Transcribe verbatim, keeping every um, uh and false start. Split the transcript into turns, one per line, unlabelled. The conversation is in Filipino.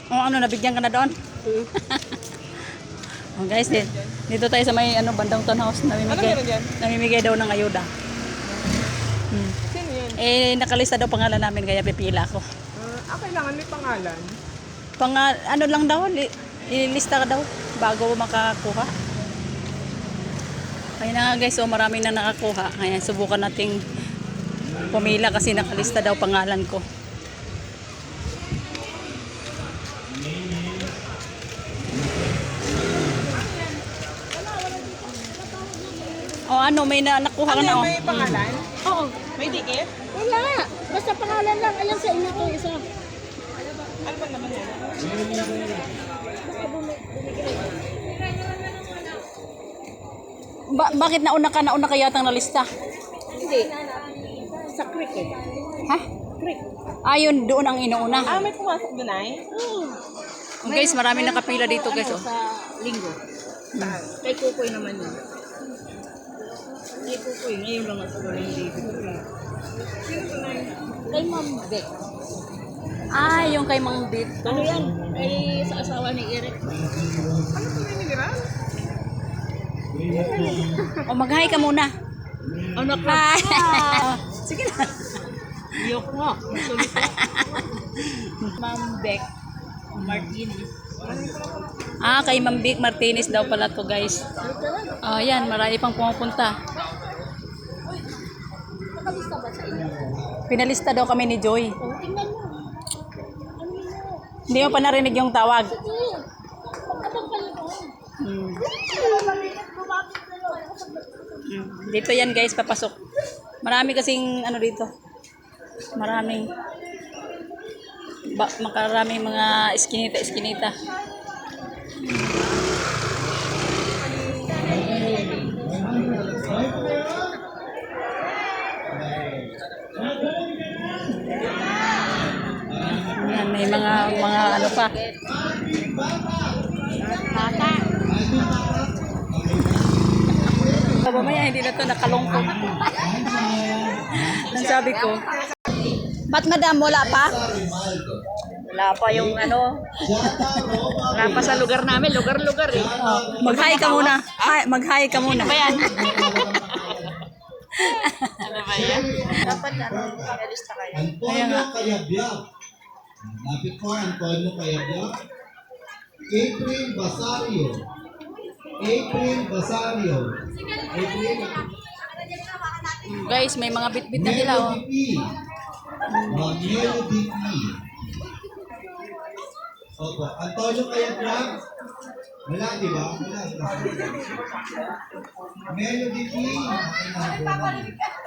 Oh, ano, nabigyan ka na doon?
Hmm.
Oh, guys, din. Dito tayo sa may ano, bandang townhouse. Namimigay,
Ano meron dyan?
namimigay daw ng ayuda. Hmm.
Sino yun?
Eh, nakalista daw pangalan namin, kaya pipila ako.
Uh, ah, kailangan may pangalan.
Pang, ano lang daw, li, ilista ka daw bago makakuha. Kaya na nga guys, so maraming na nakakuha. Kaya subukan nating pumila kasi nakalista daw pangalan ko. O ano, may na nakuha ka
Ano
na
yun,
oh.
may pangalan?
Oo.
May dikit?
Wala. Basta pangalan lang. Ayan sa inyo to isa.
Ano ba naman yan?
Ba- bakit nauna ka, nauna ka yatang nalista?
Hindi. Sa creek eh.
Ha?
Creek.
Ayun, doon ang inuuna.
Ah, may pumasok doon ay?
Oo.
Guys, marami nakapila dito guys.
Ano,
Oh.
sa linggo.
Saan?
Kay Kukoy naman yun. Kay Kukoy. Ngayon lang ako wala yung David. Kay Ma'am Beck.
Ah, yung kay Mang Dit.
Ano yan? Ay sa asawa ni Eric.
Ano po yung niliran?
O, mag-hi ka muna.
Ano ka?
Hi! Sige na.
Iyok nga. Sulit ka. Ma'am Beck Martinez.
Ah, kay Ma'am Vic Martinez daw pala to guys. Oh, yan, marami pang pumupunta.
Nakalista ba sa inyo?
Pinalista daw kami ni Joy.
Oh, tingnan mo. Ano mo?
Hindi mo pa narinig yung tawag.
Sige. Pagkabang kayo doon.
Hmm. Hmm. Dito yan guys, papasok. Marami kasing ano dito. Maraming ba, makaraming mga iskinita-iskinita. Yan, may mga mga ano pa.
Bata.
Mamaya hindi na to nakalungkot. Ang sabi ko. Ba't madam, wala pa?
Wala pa yung ano. Wala pa sa lugar namin. Lugar-lugar eh.
Oh, mag-hi ka muna. Hi, mag-hi ka muna.
Ano ba yan? Ano ba yan? Dapat ano, pinalista kayo.
Antonio Cayabyab. Lapit po, Antonio Cayabyab. April Basario. April Basario. April
Guys, may mga bit-bit na sila oh.
Melody P. Ma'am Melody P. Opo, Antonio Cayabyab. Wala, di ba? Wala. Melody P.